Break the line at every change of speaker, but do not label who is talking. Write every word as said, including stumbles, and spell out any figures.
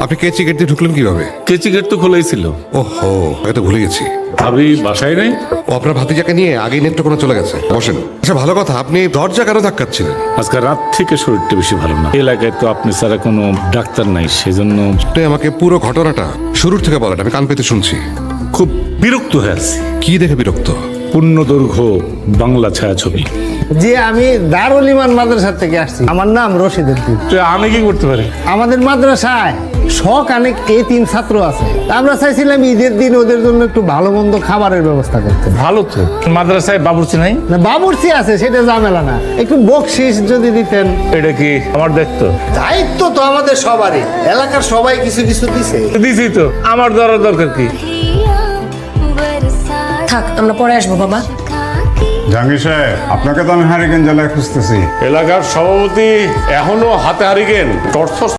আপনি কেচি গেট দিয়ে ঢুকলেন কিভাবে?
কেচি গেট তো খোলাই ছিল।
ওহো, এটা ভুলে গেছি।
ভাবি বাসায় নাই?
ও আপনার ভাতিজাকে নিয়ে আগেই নেত্রকোনা চলে গেছে। বসেন। আচ্ছা, ভালো কথা, আপনি দরজা কেন ধাক্কাচ্ছিলেন?
আজকে রাত থেকে শরীরটা বেশি ভালো না। এলাকায় তো আপনি ছাড়া কোনো ডাক্তার নাই, সেজন্য
আপনি আমাকে পুরো ঘটনাটা শুরুর থেকে বলেন, আমি কান পেতে শুনছি।
খুব বিরক্ত হয়ে আছি।
কি দেখে বিরক্ত?
পূর্ণ দৈর্ঘ্য বাংলা ছায়াছবি।
যে আমি দারুল ইমান মাদ্রাসা থেকে আসছি, আমার নাম রশিদ উদ্দিন।
তো আমি কি করতে পারি?
আমাদের মাদ্রাসায় শখ অনেক এতিম ছাত্র আছে, আমরা চাইছিলাম ঈদের দিন ওদের জন্য একটু ভালো মন্দ খাবারের ব্যবস্থা করতে।
ভালো তো, মাদ্রাসায় বাবুর্চি নাই?
না, বাবুর্চি আছে, সেটা ঝামেলা না, একটু বকশিস যদি দিতেন।
এটা কি আমার দায়িত্ব?
দায়িত্ব তো আমাদের সবারই, এলাকার সবাই কিছু কিছু দিছে।
দিছি তো, আমার ধরার দরকার কি?
থাক, আমরা পরে আসবো বাবা।
জাহাঙ্গীর সাহেব, আপনাকে তো আমি হারিকেন জেলায় খুঁজতেছি।
এলাকার সভাপতি এখনো হাতে হারিকেন টর্চ